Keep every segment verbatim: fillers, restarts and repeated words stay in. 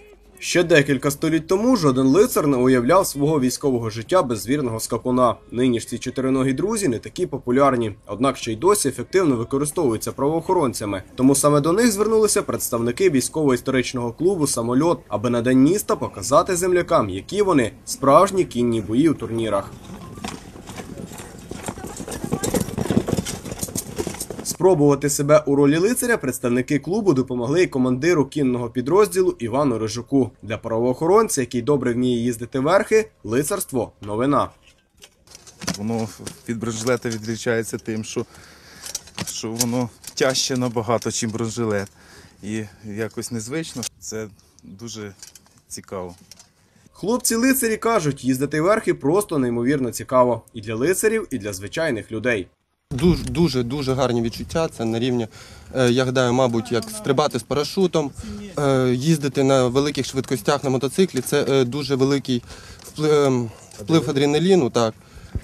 Ще декілька століть тому жоден лицар не уявляв свого військового життя без вірного скакуна. Нині ж ці чотириногі друзі не такі популярні, однак ще й досі ефективно використовуються правоохоронцями. Тому саме до них звернулися представники військово-історичного клубу «Самольот», аби на День міста показати землякам, які вони – справжні кінні бої у турнірах. Спробувати себе у ролі лицаря представники клубу допомогли й командиру кінного підрозділу Івану Рижуку. Для правоохоронця, який добре вміє їздити верхи, лицарство – новина. Воно від бронежилета відрізняється тим, що, що воно тяжче набагато, ніж бронежилет. І якось незвично. Це дуже цікаво. Хлопці-лицарі кажуть, їздити верхи просто неймовірно цікаво. І для лицарів, і для звичайних людей. Дуже-дуже гарні відчуття. Це на рівні, я гадаю, мабуть, як стрибати з парашутом, їздити на великих швидкостях на мотоциклі. Це дуже великий вплив, вплив адреналіну, так.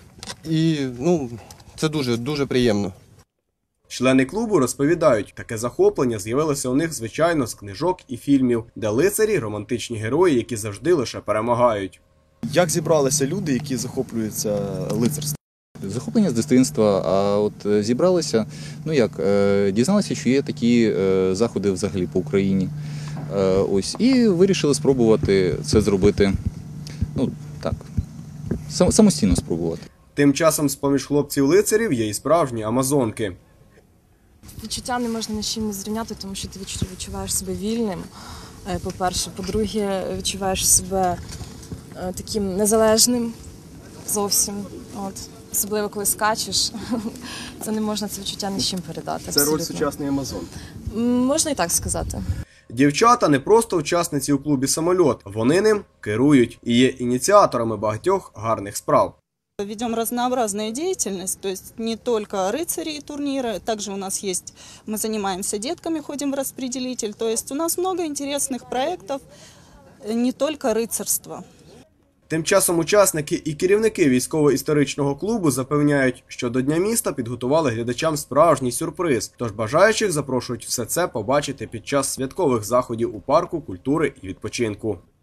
І, ну, це дуже-дуже приємно. Члени клубу розповідають, таке захоплення з'явилося у них, звичайно, з книжок і фільмів, де лицарі – романтичні герої, які завжди лише перемагають. Як зібралися люди, які захоплюються лицарством? Захоплення з дитинства, а от зібралися, ну як, дізналися, що є такі заходи взагалі по Україні. Ось, і вирішили спробувати це зробити, ну так, самостійно спробувати. Тим часом з-поміж хлопців-лицарів є і справжні амазонки. Відчуття не можна ні з чим не зрівняти, тому що ти відчуваєш себе вільним, по-перше. По-друге, відчуваєш себе таким незалежним зовсім. От. Особливо, коли скачеш, це не можна це відчуття ні з чим передати. Це абсолютно. роль сучасної амазон. Можна і так сказати. Дівчата не просто учасниці у клубі «Самольот», вони ним керують і є ініціаторами багатьох гарних справ. Ведем разнообразную деятельность, то есть не только рыцари и турниры, также у нас есть, мы занимаемся детками, ходим в распределитель, то есть у нас много интересных проектов, не только рыцарство. Тим часом учасники і керівники військово-історичного клубу запевняють, що до Дня міста підготували глядачам справжній сюрприз, тож бажаючих запрошують все це побачити під час святкових заходів у парку культури і відпочинку.